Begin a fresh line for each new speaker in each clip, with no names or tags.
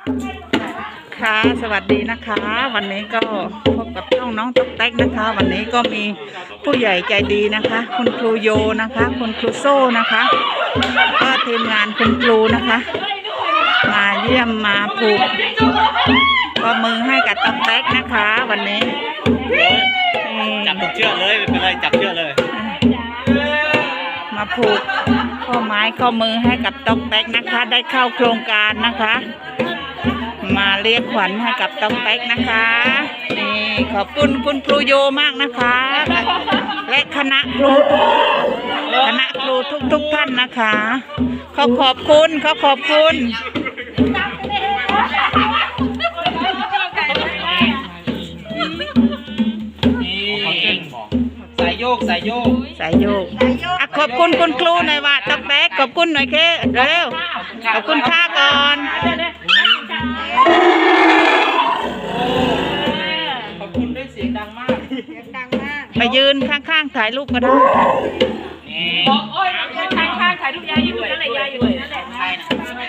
ค่ะสวัสดีนะคะ วันนี้ก็พบกับช่องน้องต๊อกแต๊กนะคะ วันนี้ก็มีผู้ใหญ่ใจดีนะคะ คุณครูโยนะคะ คุณครูโซ่นะคะก็ทีมงานคุณครูนะคะ มาเยี่ยมมาผูกข้อมือให้กับต๊อกแต๊กนะคะ วันนี้
จับถูกเชือกเลยไม่เป็นไรจับเชือกเลย
มาผูกข้อไม้ข้อมือให้กับต๊อกแต๊กนะคะ ได้เข้าโครงการนะคะ มาเรียกขวัญให้กับต๊อกแต๊กนะคะนี่ขอบคุณคุณครูโยมากนะคะและคณะครูทุกท่านนะคะขอบคุณ
สายโยก
อ่ะขอบคุณคุณครูหน่อยว่าต๊อกแต๊กขอบคุณหน่อยเคเร็วขอบคุณค่าก่อน
ขอบคุณด้วยเสียงดังมาก
ไปยืนข้างๆถ่ายรูปก็ได้
บอกโอ้ยข้างถ่ายรูปยายอยู่นั่นแหละยายอยู่นั่นแหละใช่นะ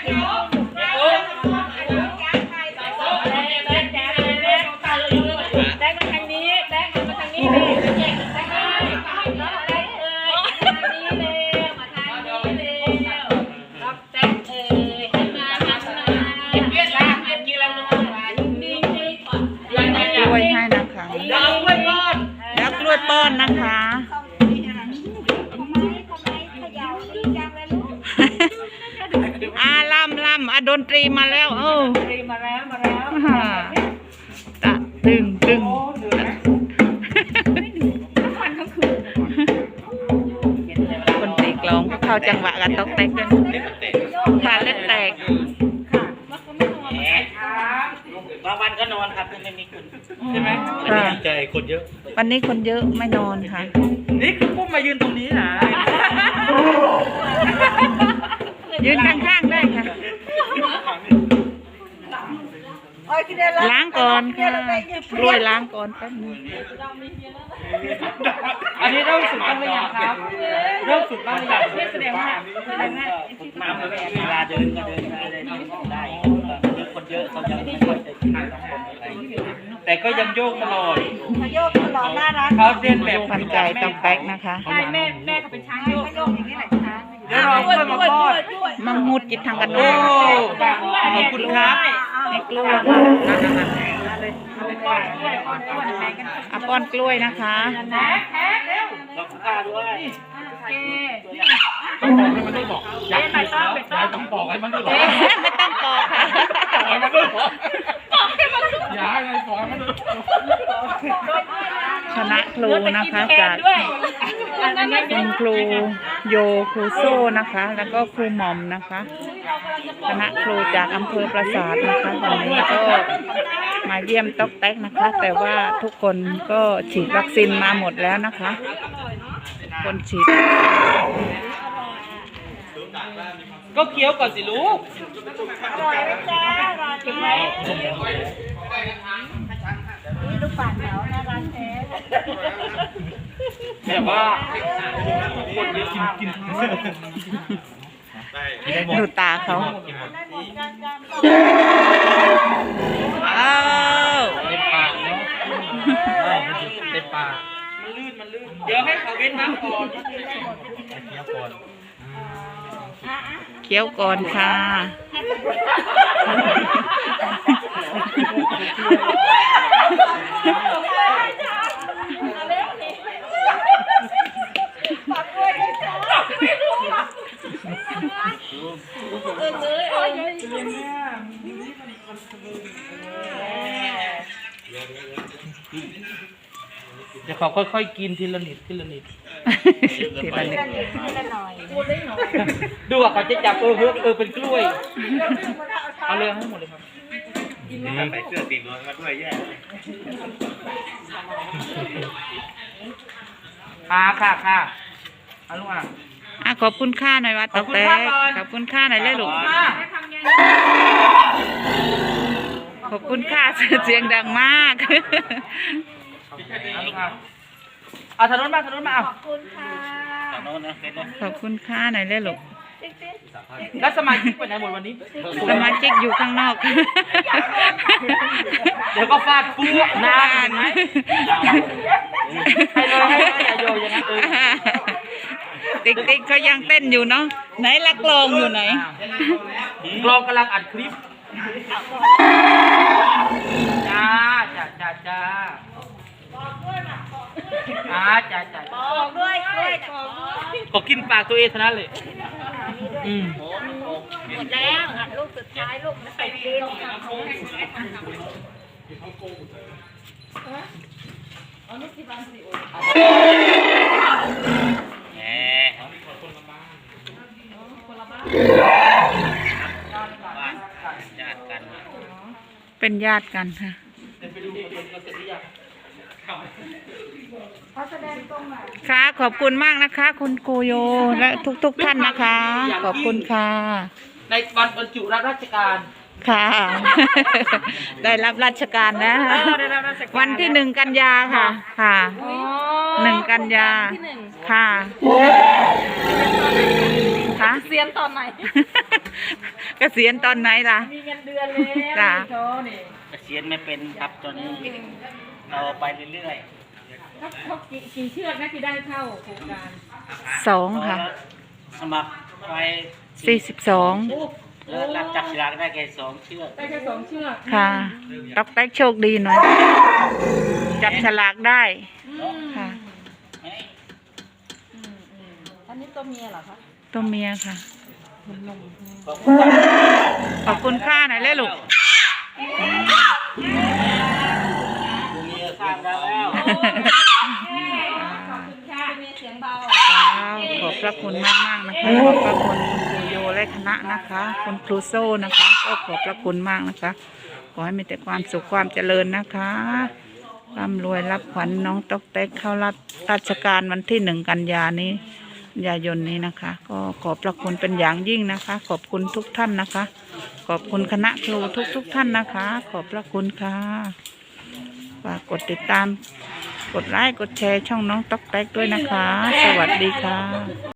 แดกมาทางนี้แดกมาทางนี้เลยแดกมาทางนี้เลยมาทางนี้เลยรับแดกให้มาเวียดนามกินแล้วก
ล้วยให้นะคะ
แล้วกล้วยป้อน
แล้วกล้วยป้อนนะคะล่ำดนตรีมาแล้ว
ดนตรีมาแล้ว
ตะตึงคนตีกลองก็เข้าจังหวะกันต๊อกแต๊กด้วยค่ะเล่นแตก
บางวันก็นอนครับไม่มีคนใช่ไหมดีใจคนเยอะ
วันนี้คนเยอะไม่นอนค่ะ
นี่คือปุ้มมายืนตรงนี้นะ
ยืนข้างๆได้ค่ะล้างก่อนค่ะกล้วยล้างก่อนแป๊บนึง
อันนี้เริ่มฝึกบ้างหรือยังครับเริ่มฝึกบ้างหรือยัง
แสดงว่า
มาเวลาเดินก็เดินได้คนเยอะเขายังไม่ค่อยจะทานแต่ก็ยังโยกตลอด
น่ารัก
เขาเรียนแบบ
ขวัญใจต๊อกแต๊กนะคะ
ใช่แม่เขาเป็นช้างโยกอย่างนี้แหละช้าง
เดี๋ยวเราค่อยมาป้อน
มังมุดจิตทางกันโน้
ขอบคุณครับ
ในกล้วยป้อนกล้วยนะคะ
ขอบคุณค่ะด้วย
ไม่ต้องบอก
ให้มันด้วยไม่ต้องบอกค่ะคณะครูนะคะจากคุณครูโยครูโซ่นะคะแล้วก็ครูหม่อมนะคะคณะครูจากอำเภอปราสาทนะคะวันนี้ก็มาเยี่ยมต๊อกแต๊กนะคะแต่ว่าทุกคนก็ฉีดวัคซีนมาหมดแล้วนะคะคนฉีด
ก็เคี้ยวก่อนสิลูก
อร่อยไหมจ๊ะอร่อยไหมนี่ลูกป่านเขาน่ารักแท้
แบบว่าคนเยอะกิน
ดูตาเขา
เต็มปากเนาะเต็มปากมันลื่นเดี๋ยวให้เขาเว้นน้ำก่อน
เคี้ยวก่อนค่ะ
เดี๋ยวเขาค่อยๆกินทีละนิดดูอ่ะเขาจะจับเป็นกล้วยเอาเลยให้หมดเลยครับใส่เสื้อตีนมาด้วยแย่ค่ะเอาลูกอ่ะ
ขอบคุณค่าหน่อยว่าต๊อกแต๊กขอบคุณค่าหน่อยเลยลูกขอบคุณค่าเสียงดังมาก
เอาถนนมาเอา
ขอบคุณค่ะ
ขอบคุณค่าหน่อยเลยลูก
แล้วสมาชิกไปไหนหมดวันนี้
สมาชิกอยู่ข้างนอก
เดี๋ยวก็ฟาดปุ๊บนานไหมให้เลยอย่าโยอย่างนั้น
ติ๊กเขายังเต้นอยู่เนาะไหนละกลองอยู่ไหน
กลองกำลังอัดคลิปจ้าจ้าจ้า
บอกด้วย
ก็กินปากตัวเองเท่านั้นเลย
หมดแล้วลูกสุดท้ายลูกไม่ไปกิน
เป็นญาติกันค่ะค่ะขอบคุณมากนะคะ คุณครูโยและทุกท่านนะคะ ขอบคุณค่ะ
ในวันบรรจุรับราชการ
ค่ะ ได้รับราชการนะ วันที่1 กันยาค่ะค่ะ1 กันยาค่ะค่ะ
เสียนตอนไหน
เกษียณตอนไหนล่ะ
มีเงินเดือนแล้ว
จ้ะ
โชนี่
เกษียณไม่เป็นครับตอนนี้เราไปเรื่อย
เขากี่เชือกนะที่ได้เข้าโครงการ
2 ค่ะ
สมัครไป
42
แล้วรับจับฉลากได้แค่2 เชือก
ได้แค่2 เชือก
ค่ะต๊อกแต๊กโชคดีหน่อย จับฉลากได้ค่ะ
อันนี้ตัวเมียเหรอคะ
ตัวเมียค่ะ ขอบคุณค่าหน่อยเลยลูก
สร้างแล้ว
ขอบคุณค่ะมีเสียงเบา
ขอบพระคุณมากๆนะคะขอบพระคุณคุณครูโยและคณะนะคะคุณครูโซ่นะคะก็ขอบพระคุณมากนะคะขอให้มีแต่ความสุขความเจริญนะคะร่ำรวยรับขวัญน้องต๊อกแต๊กเข้ารับราชการวันที่1 กันยายนนี้นะคะ ก็ขอบพระคุณเป็นอย่างยิ่งนะคะ ขอบคุณทุกท่านนะคะ ขอบคุณคณะครูทุกท่านนะคะ ขอบพระคุณค่ะฝากกดติดตามกดไลค์กดแชร์ช่องน้องต๊อกแต๊กด้วยนะคะ สวัสดีค่ะ